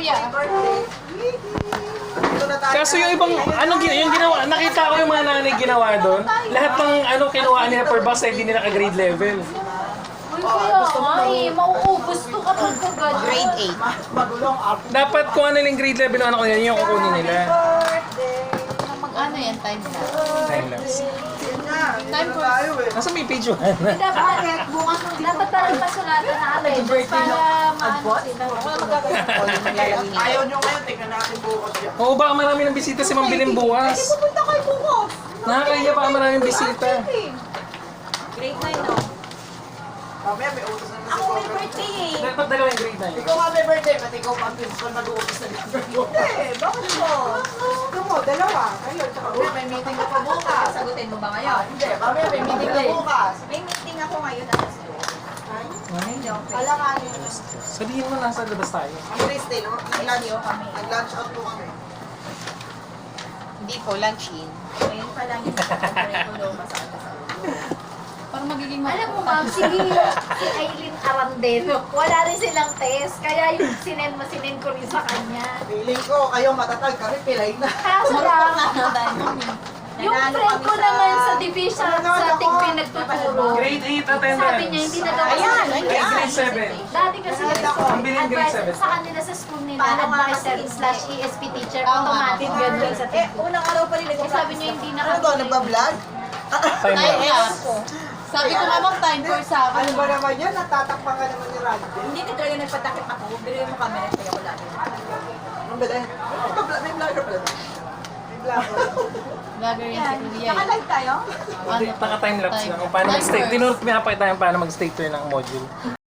kuya. Kaso yung ibang, yung ginawa, nakita ko yung mga nanay ginawa doon. Lahat ng kinuha nila per box ay hindi nila ka-grade level. Uy, kaya nga eh. Mauubos to kapag kagad. Grade 8. Dapat kung ano yung grade level ng anak ko nila, yun yung kukunin nila. Mag-ano yan, time na. Time lapse. Time for... Nasa may page 1. Dapat bukas mo dapat parang pasulatan na natin para maano sila. Ayaw nyo ngayon, tingnan natin bukas yan. Oo, baka marami ng bisita si Ma'am Bilim bukas. Pupunta kayo bukas. Nakakaya baka maraming bisita. Grade 9 no? Mamaya may utos na Ako may birthday eh. Dapat dalawa yung grade 9. Ikaw nga may birthday, pati ikaw pa ang principal mag-uupos na number mo. Bakit po? Ito mo, dalawa. Kayo, tsaka may meeting ka pa bukas. Sagutin mo ba ngayon? Hindi, mamaya may meeting ka bukas. May meeting ako ngayon alas 2. Alanganin. Sabihin mo nasa labas tayo. Ang Thursday, no? Nag-lunch out po kami. Hindi po, lunch in. Ngayon pa lang yung curriculum masama sa Parang magiging Alam mo ma'am, si Aileen Arandeno, wala rin silang test. Kaya yung sinend ko rin sa kanya. Feeling ko, kayo matatag kami, pilay na. Kaso lang, yung friend ko naman sa division sa Tigpin nagtuturo, Grade 8 attendance. sabi niya hindi na daw Ayan, Grade 7. Dati kasi Ang biling grade advice 7. sa kanila sa school nila, Paano nga advisor kasi- / ESP teacher, automatic ganun sa Tigpin. unang araw pa rin Eh, sabi niya hindi na Ano to, nagbablog? Time time lapse. lapse. Sabi ko nga mag-time for sa akin. Ano ba naman yan? Natatakpan ka naman ni Randy. Hindi ka talaga nagpatakip ako. Bilhin mo camera kaya ko lagi. Ang bala. May vlogger pala. May vlogger. Vlogger yan si Kuya. Naka-live tayo? Naka-time lapse lang kung paano mag-state. Tinuro ko pinapakita yung paano mag-state ng module.